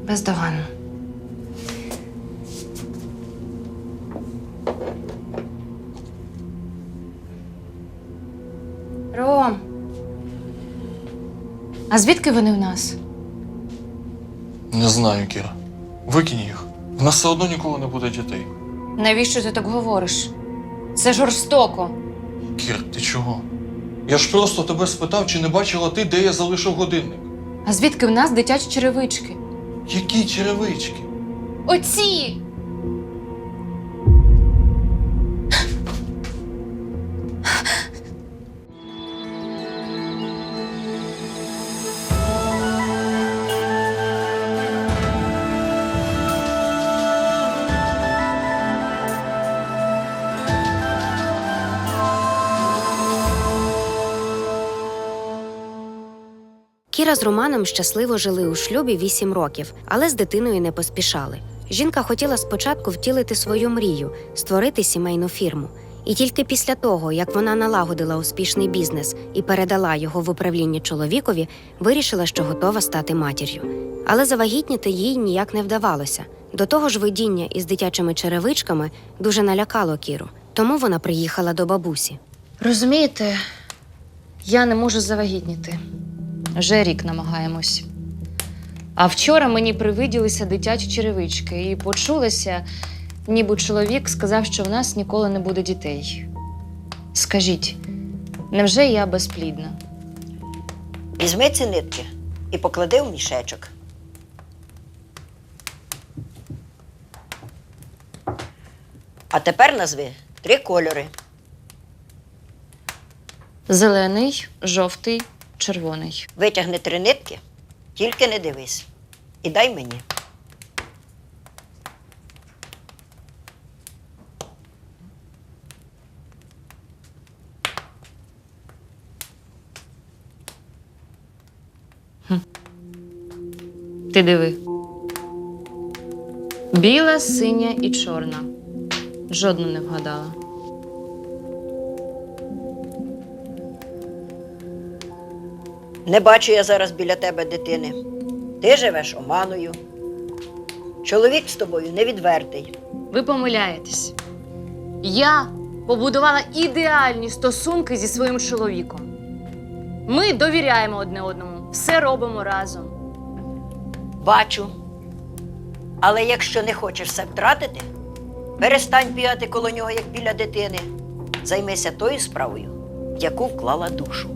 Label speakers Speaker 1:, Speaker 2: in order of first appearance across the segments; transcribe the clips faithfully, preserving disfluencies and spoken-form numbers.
Speaker 1: Бездоганно. Ром, а звідки вони в нас?
Speaker 2: Не знаю, Кіра. Викинь їх. В нас все одно ніколи не буде дітей.
Speaker 1: Навіщо ти так говориш? Це жорстоко.
Speaker 2: Кір, ти чого? Я ж просто тебе спитав, чи не бачила ти, де я залишив годинник.
Speaker 1: А звідки в нас дитячі черевички?
Speaker 2: Які черевички?
Speaker 1: Оці!
Speaker 3: Кіра з Романом щасливо жили у шлюбі вісім років, але з дитиною не поспішали. Жінка хотіла спочатку втілити свою мрію – створити сімейну фірму. І тільки після того, як вона налагодила успішний бізнес і передала його в управління чоловікові, вирішила, що готова стати матір'ю. Але завагітніти їй ніяк не вдавалося. До того ж, видіння із дитячими черевичками дуже налякало Кіру. Тому вона приїхала до бабусі.
Speaker 1: Розумієте, я не можу завагітніти. Вже рік намагаємось. А вчора мені привиділися дитячі черевички і почулося, ніби чоловік сказав, що в нас ніколи не буде дітей. Скажіть, невже я безплідна?
Speaker 4: Візьми ці нитки і поклади в мішечок. А тепер назви три кольори.
Speaker 1: Зелений, жовтий, червоний.
Speaker 4: Витягни три нитки, тільки не дивись. І дай мені.
Speaker 1: Ти диви. Біла, синя і чорна. Жодну не вгадала.
Speaker 4: Не бачу я зараз біля тебе дитини. Ти живеш оманою. Чоловік з тобою невідвертий.
Speaker 1: Ви помиляєтесь. Я побудувала ідеальні стосунки зі своїм чоловіком. Ми довіряємо одне одному, все робимо разом.
Speaker 4: Бачу. Але якщо не хочеш все втратити, перестань бігати коло нього, як біля дитини. Займися тою справою, в яку вклала душу.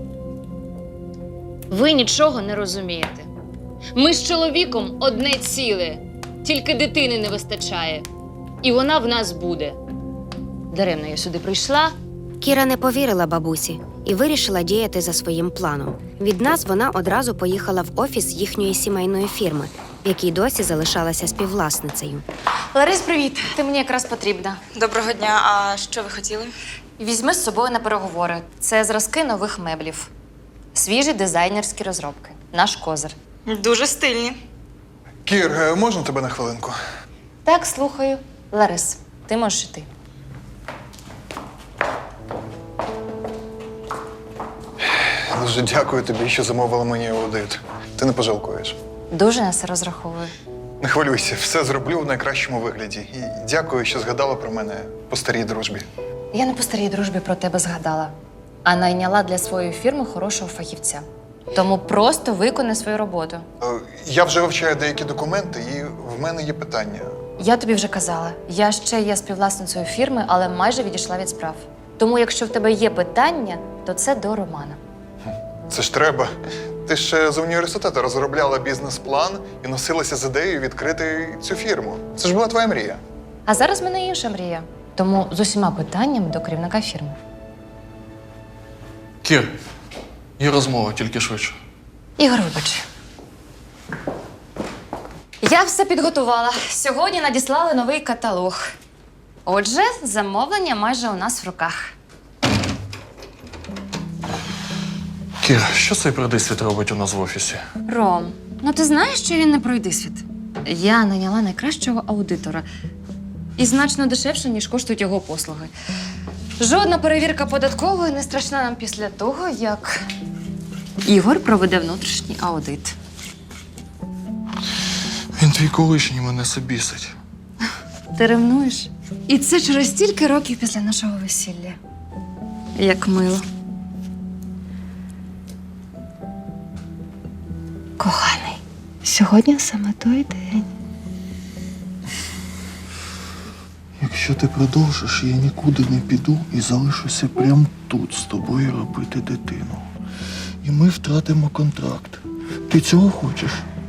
Speaker 1: Ви нічого не розумієте. Ми з чоловіком одне ціле, тільки дитини не вистачає. І вона в нас буде. Даремно я сюди прийшла.
Speaker 3: Кіра не повірила бабусі і вирішила діяти за своїм планом. Від нас вона одразу поїхала в офіс їхньої сімейної фірми, в якій досі залишалася співвласницею.
Speaker 1: Ларис, привіт. Ти мені якраз потрібна.
Speaker 5: Доброго дня. А що ви хотіли?
Speaker 1: Візьми з собою на переговори. Це зразки нових меблів. Свіжі дизайнерські розробки. Наш козир.
Speaker 5: Дуже стильні.
Speaker 6: Кір, е, можна тебе на хвилинку?
Speaker 1: Так, слухаю. Ларис, ти можеш іти.
Speaker 6: Дуже дякую тобі, що замовила мені аудит. Ти не пожалкуєш.
Speaker 1: Дуже на це розраховую.
Speaker 6: Не хвилюйся, все зроблю в найкращому вигляді. І дякую, що згадала про мене по старій дружбі.
Speaker 1: Я не по старій дружбі про тебе згадала, а найняла для своєї фірми хорошого фахівця. Тому просто виконай свою роботу.
Speaker 6: Е, Я вже вивчаю деякі документи, і в мене є питання.
Speaker 1: Я тобі вже казала, я ще є співвласницею фірми, але майже відійшла від справ. Тому якщо в тебе є питання, то це до Романа.
Speaker 6: Це ж треба. Ти ще з університету розробляла бізнес-план і носилася з ідеєю відкрити цю фірму. Це ж була твоя мрія.
Speaker 1: А зараз в мене інша мрія. Тому з усіма питаннями до керівника фірми.
Speaker 2: Кір, є розмова, тільки швидше.
Speaker 1: Ігор, вибач. Я все підготувала. Сьогодні надіслали новий каталог. Отже, замовлення майже у нас в руках.
Speaker 2: Кір, що цей придисвіт робить у нас в офісі?
Speaker 1: Ром, ну ти знаєш, що він не пройде світ? Я найняла найкращого аудитора. І значно дешевше, ніж коштують його послуги. Жодна перевірка податкової не страшна нам після того, як Ігор проведе внутрішній аудит.
Speaker 2: Він твій колишній мене собісить.
Speaker 1: Ти ревнуєш? І це через стільки років після нашого весілля. Як мило. Коханий, сьогодні саме той день.
Speaker 2: Якщо ти продовжиш, я нікуди не піду і залишуся прямо тут з тобою робити дитину. І ми втратимо контракт. Ти цього хочеш?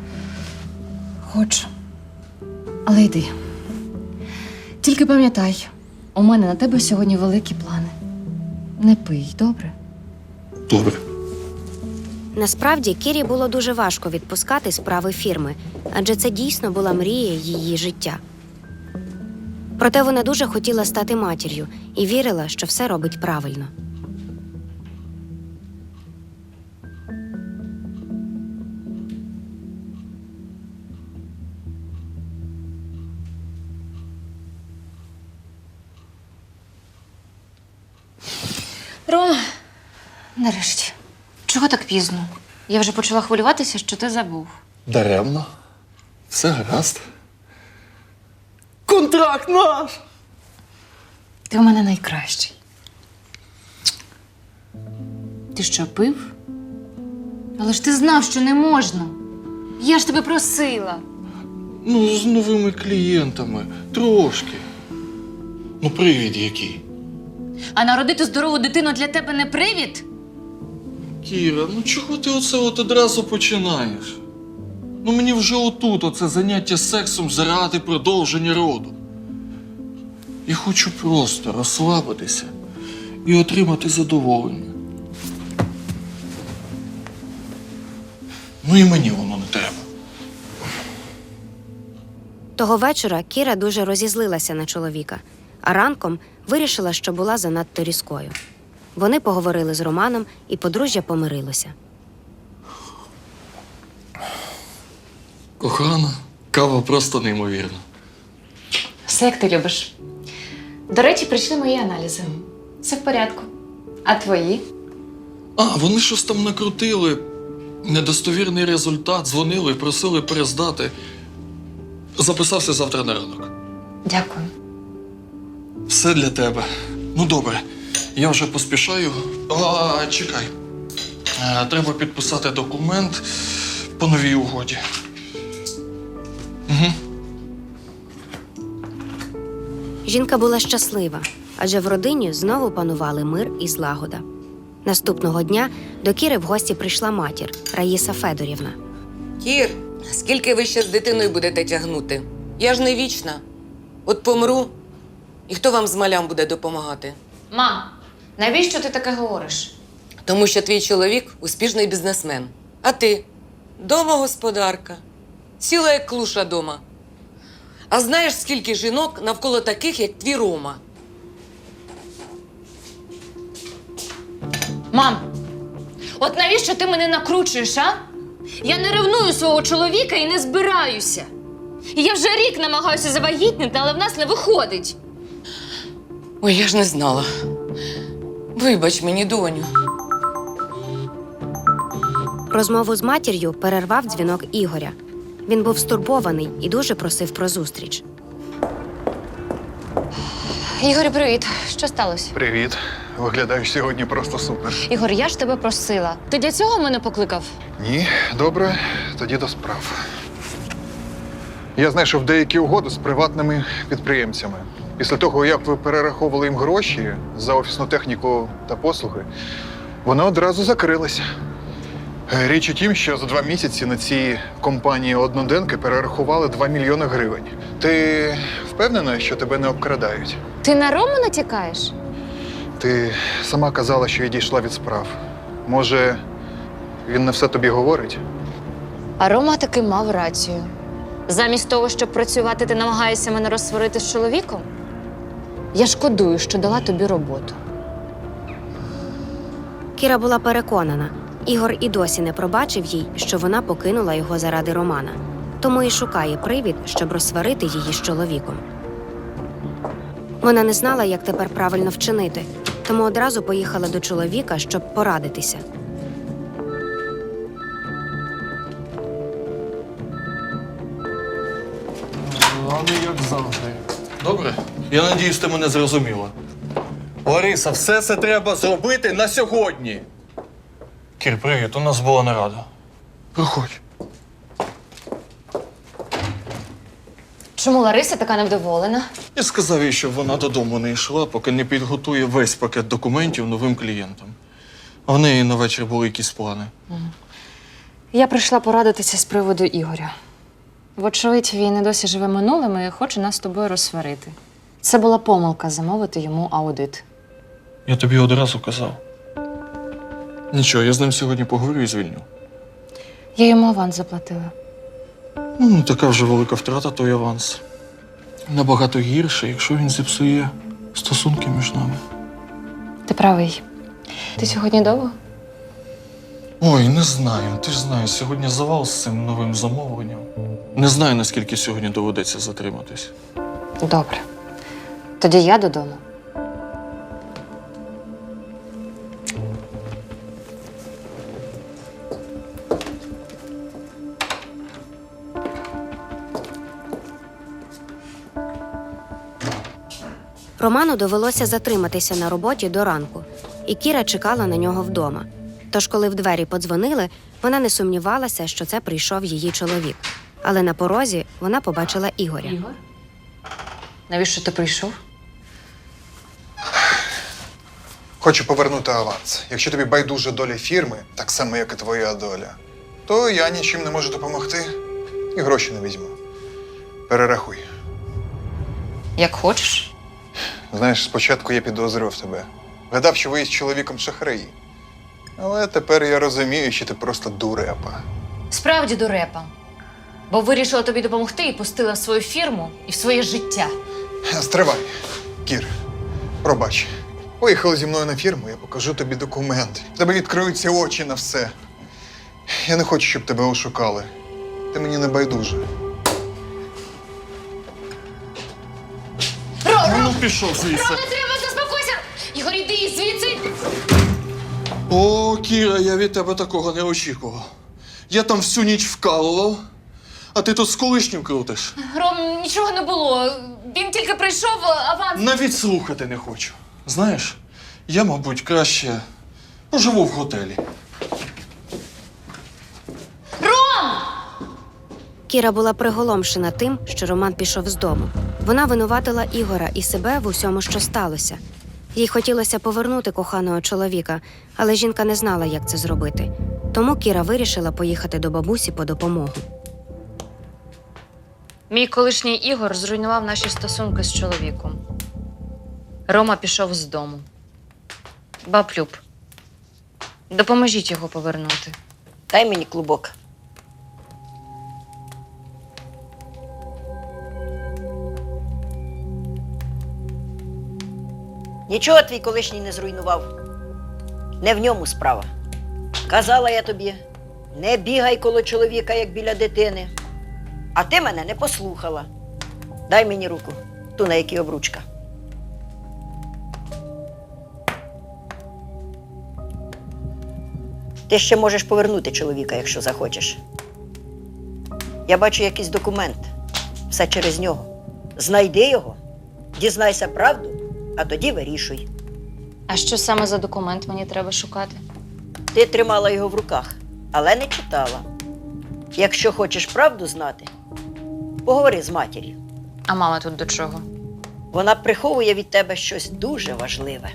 Speaker 1: Хочу. Але йди. Тільки пам'ятай, у мене на тебе сьогодні великі плани. Не пий, добре?
Speaker 2: Добре.
Speaker 3: Насправді, Кірі було дуже важко відпускати справи фірми, адже це дійсно була мрія її життя. Проте вона дуже хотіла стати матір'ю і вірила, що все робить правильно.
Speaker 1: Рома, нарешті. Чого так пізно? Я вже почала хвилюватися, що ти забув.
Speaker 2: Даремно. Все гаразд. Контракт наш!
Speaker 1: Ти в мене найкращий. Ти що, пив? Але ж ти знав, що не можна. Я ж тебе просила.
Speaker 2: Ну, з новими клієнтами. Трошки. Ну, привід який.
Speaker 1: А народити здорову дитину для тебе не привід?
Speaker 2: Кіра, ну чого ти оце от одразу починаєш? Ну мені вже отут оце заняття сексом заради продовження роду. Я хочу просто розслабитися і отримати задоволення. Ну і мені воно не треба.
Speaker 3: Того вечора Кіра дуже розізлилася на чоловіка, а ранком вирішила, що була занадто різкою. Вони поговорили з Романом, і подружжя помирилося.
Speaker 2: Кохана, кава просто неймовірна.
Speaker 1: Все, як ти любиш. До речі, прийшли мої аналізи. Все в порядку. А твої?
Speaker 2: А, вони щось там накрутили. Недостовірний результат, дзвонили і просили перездати. Записався завтра на ранок.
Speaker 1: Дякую.
Speaker 2: Все для тебе. Ну, добре. Я вже поспішаю. А, чекай. А, треба підписати документ по новій угоді. Угу.
Speaker 3: Жінка була щаслива, адже в родині знову панували мир і злагода. Наступного дня до Кіри в гості прийшла матір Раїса Федорівна.
Speaker 7: Кір, скільки ви ще з дитиною будете тягнути? Я ж не вічна. От помру, і хто вам з малям буде допомагати?
Speaker 1: Мам, навіщо ти таке говориш?
Speaker 7: Тому що твій чоловік – успішний бізнесмен. А ти – домогосподарка. Ціла як клуша дома. А знаєш, скільки жінок навколо таких, як твій Рома?
Speaker 1: Мам, от навіщо ти мене накручуєш, а? Я не ревную свого чоловіка і не збираюся. І я вже рік намагаюся завагітнити, але в нас не виходить.
Speaker 7: Ой, я ж не знала. Вибач мені, доню.
Speaker 3: Розмову з матір'ю перервав дзвінок Ігоря. Він був стурбований і дуже просив про зустріч.
Speaker 1: Ігор, привіт. Що сталося?
Speaker 6: Привіт. Виглядаєш сьогодні просто супер.
Speaker 1: Ігор, я ж тебе просила. Ти для цього мене покликав?
Speaker 6: Ні, добре, тоді до справ. Я знайшов деякі угоди з приватними підприємцями. Після того, як ви перераховували їм гроші за офісну техніку та послуги, вони одразу закрилися. Річ у тім, що за два місяці на цій компанії одноденки перерахували два мільйони гривень. Ти впевнена, що тебе не обкрадають?
Speaker 1: Ти на Рому натякаєш?
Speaker 6: Ти сама казала, що відійшла від справ. Може, він не все тобі говорить?
Speaker 1: А Рома таки мав рацію. Замість того, щоб працювати, ти намагаєшся мене розсварити з чоловіком? Я шкодую, що дала тобі роботу.
Speaker 3: Кіра була переконана, Ігор і досі не пробачив їй, що вона покинула його заради Романа. Тому і шукає привід, щоб розсварити її з чоловіком. Вона не знала, як тепер правильно вчинити, тому одразу поїхала до чоловіка, щоб порадитися.
Speaker 2: поганий, як завжди. Добре? Я надіюсь, ти мене зрозуміла. Лариса, все це треба зробити на сьогодні. Кір, привіт, у нас була нарада. Проходь.
Speaker 1: Чому Лариса така невдоволена?
Speaker 2: Я сказав їй, щоб вона додому не йшла, поки не підготує весь пакет документів новим клієнтам. А в неї на вечір були якісь плани.
Speaker 1: Я прийшла порадитися з приводу Ігоря. Вочевидь, він і досі живе минулим і хоче нас з тобою розсварити. Це була помилка замовити йому аудит.
Speaker 2: Я тобі одразу казав. Нічого, я з ним сьогодні поговорю і звільню.
Speaker 1: Я йому аванс заплатила.
Speaker 2: Ну, не така вже велика втрата той аванс. Набагато гірше, якщо він зіпсує стосунки між нами.
Speaker 1: Ти правий. Ти сьогодні довго?
Speaker 2: Ой, не знаю. Ти ж знаєш, сьогодні завал з цим новим замовленням. Не знаю, наскільки сьогодні доведеться затриматись.
Speaker 1: Добре. Тоді я додому.
Speaker 3: Роману довелося затриматися на роботі до ранку, і Кіра чекала на нього вдома. Тож, коли в двері подзвонили, вона не сумнівалася, що це прийшов її чоловік. Але на порозі вона побачила Ігоря.
Speaker 1: Ігор? Навіщо ти прийшов?
Speaker 6: Хочу повернути аванс. Якщо тобі байдужа доля фірми, так само, як і твоя доля, то я нічим не можу допомогти і гроші не візьму. Перерахуй.
Speaker 1: Як хочеш.
Speaker 6: Знаєш, спочатку я підозрював тебе. Гадав, що ви із чоловіком шахраї. Але тепер я розумію, що ти просто дурепа.
Speaker 1: Справді дурепа. Бо вирішила тобі допомогти і пустила в свою фірму і в своє життя.
Speaker 6: Стривай, Кір, пробач. Поїхали зі мною на фірму, я покажу тобі документи. В тебе відкриються очі на все. Я не хочу, щоб тебе ошукали. Ти мені не байдуже.
Speaker 2: Ну, ну пішов звідси.
Speaker 1: Треба, заспокойся! Ігор, іди звідси!
Speaker 2: О, Кіра, я від тебе такого не очікував. Я там всю ніч вкалував, а ти тут з колишнім крутиш.
Speaker 1: Ром, нічого не було. Він тільки прийшов, аванс.
Speaker 2: Навіть слухати не хочу. Знаєш, я, мабуть, краще поживу в готелі.
Speaker 3: Кіра була приголомшена тим, що Роман пішов з дому. Вона винуватила Ігора і себе в усьому, що сталося. Їй хотілося повернути коханого чоловіка, але жінка не знала, як це зробити. Тому Кіра вирішила поїхати до бабусі по допомогу.
Speaker 1: Мій колишній Ігор зруйнував наші стосунки з чоловіком. Рома пішов з дому. Баб Люб, допоможіть його повернути.
Speaker 4: Дай мені клубок. Нічого твій колишній не зруйнував. Не в ньому справа. Казала я тобі, не бігай коло чоловіка, як біля дитини. А ти мене не послухала. Дай мені руку, ту, на якій обручка. Ти ще можеш повернути чоловіка, якщо захочеш. Я бачу якийсь документ. Все через нього. Знайди його, дізнайся правду, а тоді вирішуй.
Speaker 1: А що саме за документ мені треба шукати?
Speaker 4: Ти тримала його в руках, але не читала. Якщо хочеш правду знати, поговори з матір'ю.
Speaker 1: А мама тут до чого?
Speaker 4: Вона приховує від тебе щось дуже важливе.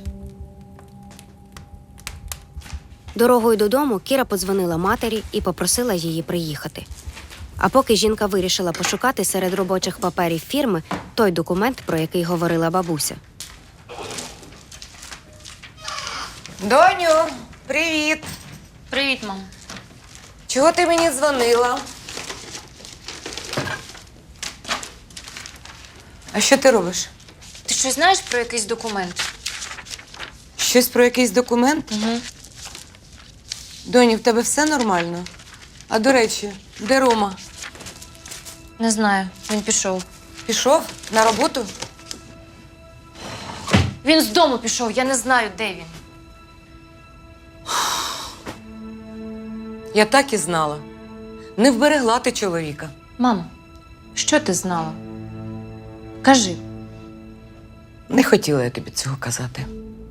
Speaker 3: Дорогою додому Кіра подзвонила матері і попросила її приїхати. А поки жінка вирішила пошукати серед робочих паперів фірми той документ, про який говорила бабуся.
Speaker 7: Доню, привіт!
Speaker 1: Привіт, мам.
Speaker 7: Чого ти мені дзвонила? А що ти робиш?
Speaker 1: Ти щось знаєш про якийсь документ?
Speaker 7: Щось про якийсь документ?
Speaker 1: Угу.
Speaker 7: Доню, в тебе все нормально? А до речі, де Рома?
Speaker 1: Не знаю, він пішов.
Speaker 7: Пішов на роботу?
Speaker 1: Він з дому пішов, я не знаю, де він.
Speaker 7: Я так і знала. Не вберегла ти чоловіка.
Speaker 1: Мам, що ти знала? Кажи.
Speaker 7: Не хотіла я тобі цього казати.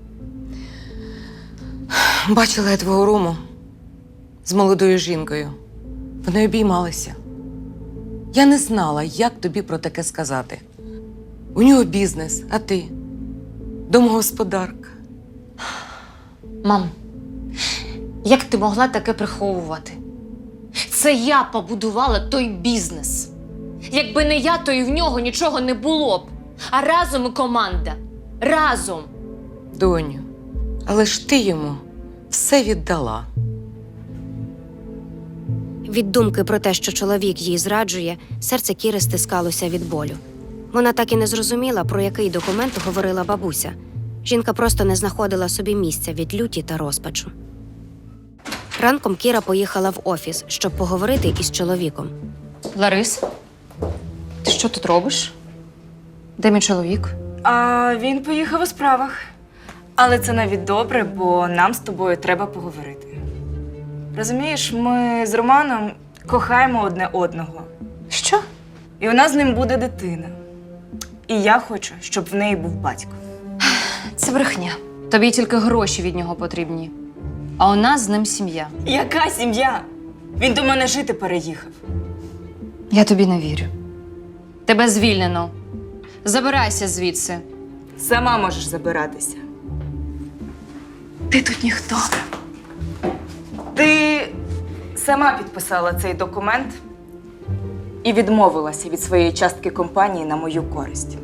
Speaker 7: Бачила я твого Рому з молодою жінкою. Вони обіймалися. Я не знала, як тобі про таке сказати. У нього бізнес, а ти домогосподарка.
Speaker 1: Мам, як ти могла таке приховувати? Це я побудувала той бізнес. Якби не я, то і в нього нічого не було б. А разом і команда. Разом.
Speaker 7: Доню, але ж ти йому все віддала.
Speaker 3: Від думки про те, що чоловік їй зраджує, серце Кіри стискалося від болю. Вона так і не зрозуміла, про який документ говорила бабуся. Жінка просто не знаходила собі місця від люті та розпачу. Ранком Кіра поїхала в офіс, щоб поговорити із чоловіком.
Speaker 1: Ларис, ти що тут робиш? Де мій чоловік?
Speaker 5: А він поїхав у справах. Але це навіть добре, бо нам з тобою треба поговорити. Розумієш, ми з Романом кохаємо одне одного.
Speaker 1: Що?
Speaker 5: І у нас з ним буде дитина. І я хочу, щоб в неї був батько.
Speaker 1: Це брехня. Тобі тільки гроші від нього потрібні. А у нас з ним сім'я.
Speaker 5: Яка сім'я? Він до мене жити переїхав.
Speaker 1: Я тобі не вірю. Тебе звільнено. Забирайся звідси.
Speaker 5: Сама можеш забиратися. Ти тут ніхто. Ти сама підписала цей документ і відмовилася від своєї частки компанії на мою користь.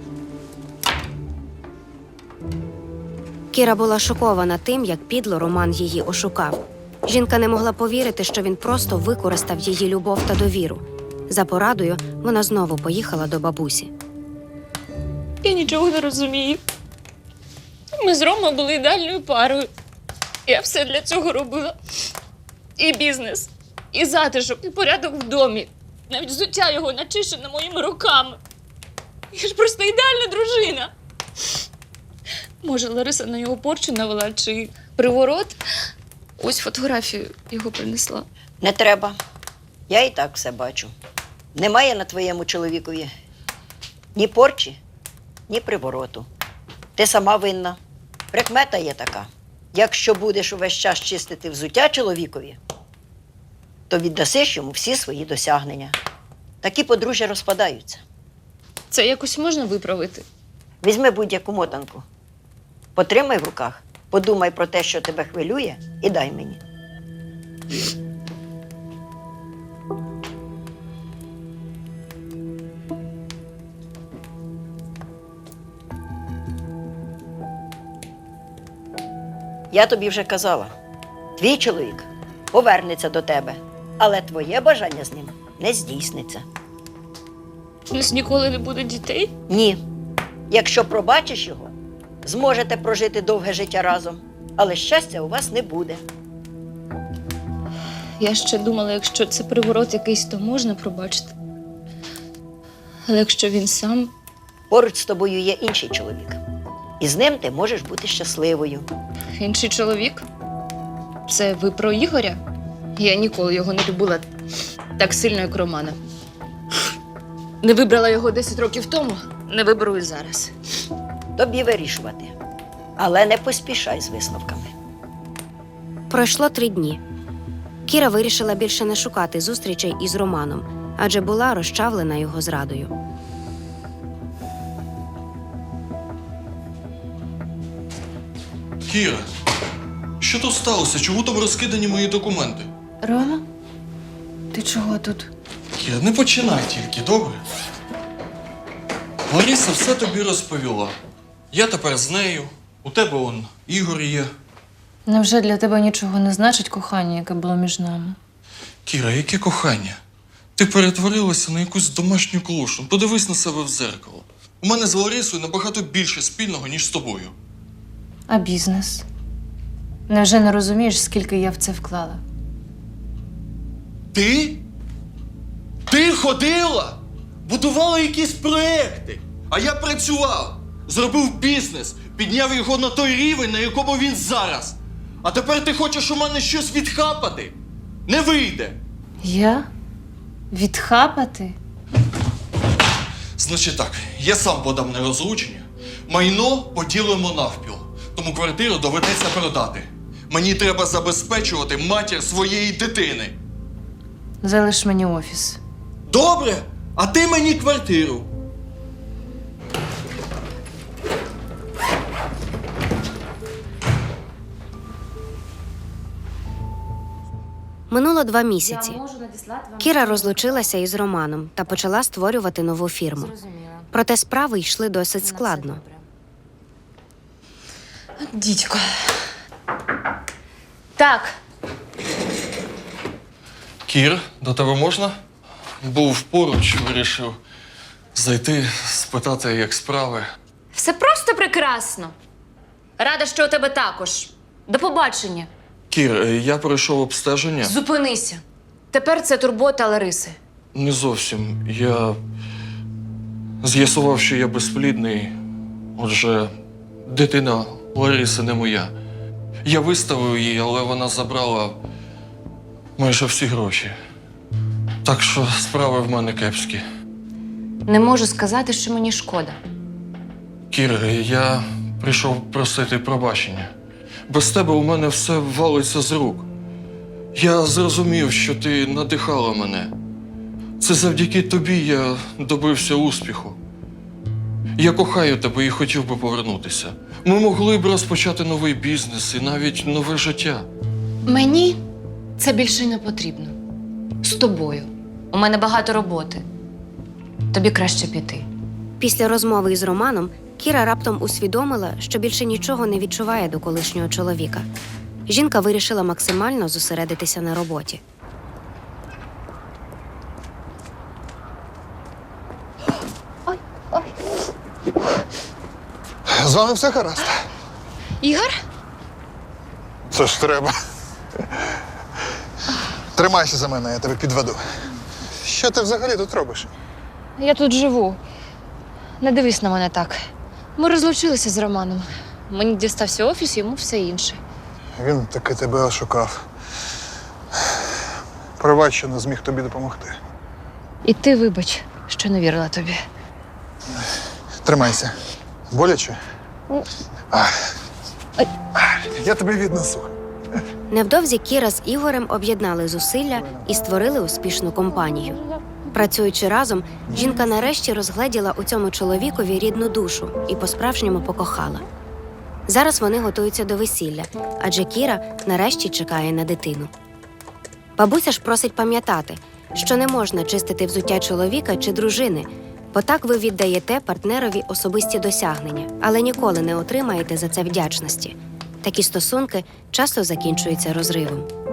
Speaker 3: Кіра була шокована тим, як підло Роман її ошукав. Жінка не могла повірити, що він просто використав її любов та довіру. За порадою вона знову поїхала до бабусі.
Speaker 8: Я нічого не розумію. Ми з Ромою були ідеальною парою. Я все для цього робила. І бізнес, і затишок, і порядок в домі. Навіть взуття його начищене моїми руками. Я ж просто ідеальна дружина. Може, Лариса на його порчу навела, чи приворот? Ось фотографію його принесла.
Speaker 4: Не треба. Я і так все бачу. Немає на твоєму чоловікові ні порчі, ні привороту. Ти сама винна. Прикмета є така. Якщо будеш увесь час чистити взуття чоловікові, то віддасиш йому всі свої досягнення. Такі подружжя розпадаються.
Speaker 8: Це якось можна виправити?
Speaker 4: Візьми будь-яку мотанку, потримай в руках, подумай про те, що тебе хвилює, і дай мені. Я тобі вже казала, твій чоловік повернеться до тебе, але твоє бажання з ним не здійсниться.
Speaker 8: У нас ніколи не буде дітей?
Speaker 4: Ні. Якщо пробачиш його, зможете прожити довге життя разом, але щастя у вас не буде.
Speaker 8: Я ще думала, якщо це приворот якийсь, то можна пробачити. Але якщо він сам,
Speaker 4: Поруч з тобою є інший чоловік. І з ним ти можеш бути щасливою.
Speaker 8: інший чоловік? Це ви про Ігоря? Я ніколи його не любила так сильно, як Романа. Не вибрала його десять років тому, не виберу і зараз.
Speaker 4: Тобі вирішувати. Але не поспішай з висновками.
Speaker 3: Пройшло три дні. Кіра вирішила більше не шукати зустрічей із Романом, адже була розчавлена його зрадою.
Speaker 2: Кіра, що тут сталося? Чому там розкидані мої документи?
Speaker 1: Рома? Ти чого тут?
Speaker 2: Кіра, не починай тільки, добре? Лариса все тобі розповіла. Я тепер з нею. У тебе он Ігор є.
Speaker 1: Невже для тебе нічого не значить кохання, яке було між нами?
Speaker 2: Кіра, яке кохання? Ти перетворилася на якусь домашню клушу. Подивись на себе в дзеркало. У мене з Ларисою набагато більше спільного, ніж з тобою.
Speaker 1: А бізнес? Невже не розумієш, скільки я в це вклала?
Speaker 2: Ти? Ти ходила? Будувала якісь проекти. А я працював, зробив бізнес, підняв його на той рівень, на якому він зараз. А тепер ти хочеш у мене щось відхапати? Не вийде.
Speaker 1: Я? Відхапати?
Speaker 2: Значить так, я сам подам на розлучення, майно поділимо навпіл, тому квартиру доведеться продати. Мені треба забезпечувати матір своєї дитини.
Speaker 1: Залиш мені офіс.
Speaker 2: Добре, а ти мені квартиру.
Speaker 3: Минуло два місяці. Кіра розлучилася із Романом та почала створювати нову фірму. Проте справи йшли досить складно.
Speaker 1: Дідько. Так,
Speaker 2: Кір, до тебе можна? Був поруч, вирішив зайти, спитати, як справи.
Speaker 1: все просто прекрасно. Рада, що у тебе також. До побачення.
Speaker 2: Кір, е, я пройшов обстеження.
Speaker 1: Зупинися. Тепер це турбота Лариси.
Speaker 2: Не зовсім. Я з'ясував, що я безплідний. Отже, дитина Лариси не моя. Я виставив її, але вона забрала майже всі гроші. Так що справи в мене кепські.
Speaker 1: Не можу сказати, що мені шкода.
Speaker 2: Кір, я прийшов просити пробачення. Без тебе у мене все валиться з рук. Я зрозумів, що ти надихала мене. Це завдяки тобі я добився успіху. Я кохаю тебе і хотів би повернутися. Ми могли б розпочати новий бізнес і навіть нове життя.
Speaker 1: Мені це більше не потрібно. З тобою. У мене багато роботи. Тобі краще піти.
Speaker 3: Після розмови із Романом Кіра раптом усвідомила, що більше нічого не відчуває до колишнього чоловіка. Жінка вирішила максимально зосередитися на роботі.
Speaker 6: З вами все гаразд.
Speaker 1: Ігор?
Speaker 6: Це ж треба. Тримайся за мене, я тебе підведу. Що ти взагалі тут робиш?
Speaker 1: Я тут живу. Не дивись на мене так. Ми розлучилися з Романом. Мені дістався офіс, йому все інше.
Speaker 6: Він таки тебе ошукав. Пробач, що не зміг тобі допомогти.
Speaker 1: І ти вибач, що не вірила тобі.
Speaker 6: Тримайся. Боляче? А. Я тебе віднесу.
Speaker 3: Невдовзі Кіра з Ігорем об'єднали зусилля і створили успішну компанію. Працюючи разом, жінка нарешті розгледіла у цьому чоловікові рідну душу і по-справжньому покохала. Зараз вони готуються до весілля, адже Кіра нарешті чекає на дитину. Бабуся ж просить пам'ятати, що не можна чистити взуття чоловіка чи дружини, бо так ви віддаєте партнерові особисті досягнення, але ніколи не отримаєте за це вдячності. Такі стосунки часто закінчуються розривом.